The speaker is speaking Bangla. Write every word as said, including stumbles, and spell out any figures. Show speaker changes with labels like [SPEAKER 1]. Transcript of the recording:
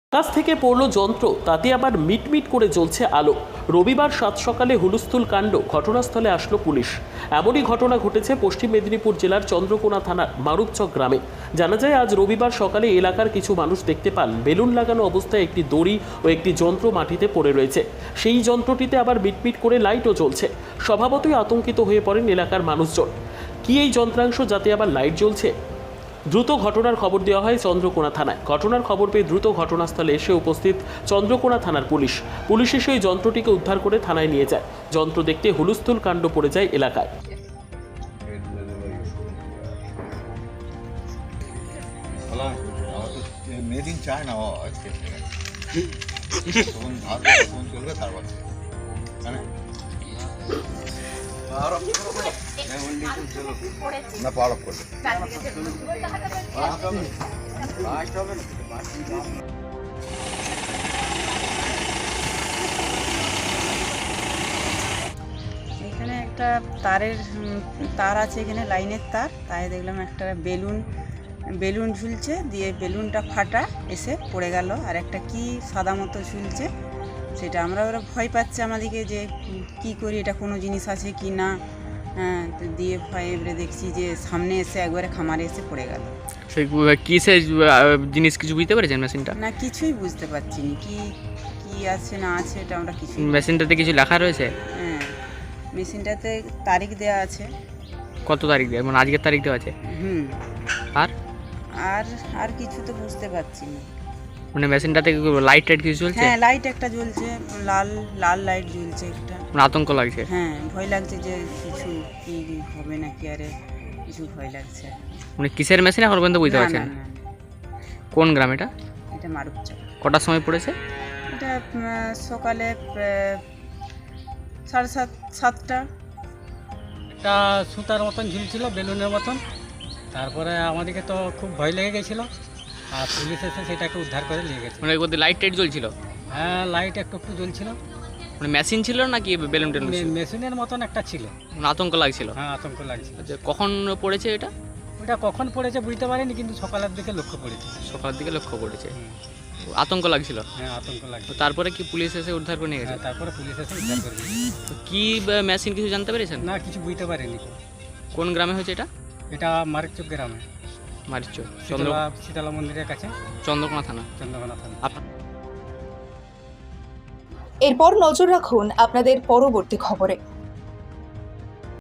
[SPEAKER 1] আকাশ থেকে পড়ল যন্ত্র, তাতে আবার মিটমিট করে জ্বলছে আলো। রবিবার সাত সকালে হুলস্থুল কাণ্ড, ঘটনাস্থলে আসলো পুলিশ। এমনই ঘটনা ঘটেছে পশ্চিম মেদিনীপুর জেলার চন্দ্রকোনা থানার মারুপচক গ্রামে। জানা যায় আজ রবিবার সকালে এলাকার কিছু মানুষ দেখতে পান বেলুন লাগানো অবস্থায় একটি দড়ি ও একটি যন্ত্র মাটিতে পড়ে রয়েছে। সেই যন্ত্রটিতে আবার মিটমিট করে লাইটও জ্বলছে। স্বভাবতই আতঙ্কিত হয়ে পড়েন এলাকার মানুষজন। কি এই যন্ত্রাংশ, যাতে আবার লাইট জ্বলছে? দ্রুত ঘটনার খবর দেওয়া হয় চন্দ্রকোনা থানায়। ঘটনার খবর পেয়ে দ্রুত ঘটনাস্থলে এসে উপস্থিত চন্দ্রকোনা থানার পুলিশ। পুলিশ এসে ওই যন্ত্রটিকে উদ্ধার করে থানায় নিয়ে যায়। যন্ত্র দেখতে হুলস্থুল কাণ্ড পড়ে যায় এলাকায়।
[SPEAKER 2] মেদিন চায় না আজকে তখন ভাত ফোন চলবে তারপর না পাওয়ার অফ করবে।
[SPEAKER 3] এখানে একটা তারের উম, তার আছে, এখানে লাইনের তার, তাই দেখলাম একটা বেলুন বেলুন ঝুলছে, দিয়ে বেলুনটা ফাটা এসে পড়ে গেল। আর একটা কি সাদা মতো ঝুলছে, সেটা আমরা ওরা ভয় পাচ্ছে আমাদেরকে যে উম, কি করি, এটা কোনো জিনিস আছে কি না। হ্যাঁ, তো দিয়ে ভয় এবারে দেখছি যে সামনে এসে একবারে খামারে এসে পড়ে গেল।
[SPEAKER 4] সেই কিসের জিনিস কিছু বুঝতে পেরেছেন মেশিনটা?
[SPEAKER 3] না, কিছুই বুঝতে পারছি না কি কি আছে না আছে, এটা আমরা কিছু।
[SPEAKER 4] মেশিনটাতে কিছু লেখা রয়েছে?
[SPEAKER 3] হ্যাঁ, মেশিনটাতে তারিখ দেওয়া আছে।
[SPEAKER 4] কত তারিখ দেওয়া, মানে আজকের তারিখ দেওয়া আছে?
[SPEAKER 3] হুম।
[SPEAKER 4] আর
[SPEAKER 3] আর আর কিছু তো বুঝতে পারছি না।
[SPEAKER 4] মানে মেশিনটাতে লাইট টাইট কিছু চলছে?
[SPEAKER 3] হ্যাঁ, লাইট একটা জ্বলছে, লাল লাল লাইট জ্বলছে একটা।
[SPEAKER 4] মানে আতঙ্ক লাগছে?
[SPEAKER 3] হ্যাঁ, ভয় লাগছে যে কিছু কি হবে নাকি, আরে কিছু ভয় লাগছে।
[SPEAKER 4] মানে কিসের মেশিন এখন পর্যন্ত বুঝতে
[SPEAKER 3] না,
[SPEAKER 4] পারছেন?
[SPEAKER 3] না, না,
[SPEAKER 4] কোন গ্রাম এটা?
[SPEAKER 3] এটা মারুপচক।
[SPEAKER 4] কটার সময় পড়েছে?
[SPEAKER 3] এটা উম, সকালে আহ, সাড়ে সাত সাতটা।
[SPEAKER 5] একটা সুতার মতন ঝুলছিল, বেলুনের মতন। তারপরে আমাদেরকে তো খুব ভয় লেগে গেছিলো, আর পুলিশ এসে সেটাকে উদ্ধার করে নিয়ে গেছে।
[SPEAKER 4] মানে ওর লাইট টাইট জ্বলছিল?
[SPEAKER 5] হ্যাঁ, লাইট একটু একটু জ্বলছিল।
[SPEAKER 4] মানে মেশিন ছিল নাকি বেলুন টেলুন ছিল?
[SPEAKER 5] মে- মেশিনের মতন একটা ছিল।
[SPEAKER 4] মানে আতঙ্ক লাগছিল?
[SPEAKER 5] হ্যাঁ, আতঙ্ক লাগছিল।
[SPEAKER 4] আচ্ছা, কখন পড়েছে এটা?
[SPEAKER 5] ওটা কখন পড়েছে বুঝতে পারিনি, কিন্তু সকালের দিকে লক্ষ্য পড়েছে।
[SPEAKER 4] সকালের দিকে লক্ষ্য পড়েছে।
[SPEAKER 5] হুম।
[SPEAKER 4] আতঙ্ক লাগছিল?
[SPEAKER 5] হ্যাঁ, আতঙ্ক লাগছে।
[SPEAKER 4] তো তারপরে কি পুলিশ এসে উদ্ধার করে নিয়ে গেছে?
[SPEAKER 5] হ্যাঁ, তারপরে পুলিশ এসে উদ্ধার করে নিয়ে গেছে।
[SPEAKER 4] তো কি মেশিন কিছু জানতে পেরেছেন?
[SPEAKER 5] না, কিছু বুঝতে পারিনি।
[SPEAKER 4] কোন গ্রামে হয়েছে এটা?
[SPEAKER 5] এটা মারিকচক গ্রামে,
[SPEAKER 4] মারিচ চন্দ্র
[SPEAKER 5] শীতলা শীতলা মন্দিরের কাছে,
[SPEAKER 4] চন্দ্রকোনা থানা।
[SPEAKER 5] চন্দ্রকোনা থানা।
[SPEAKER 4] আপনার
[SPEAKER 6] এরপর নজর রাখুন আপনাদের পরবর্তী খবরে।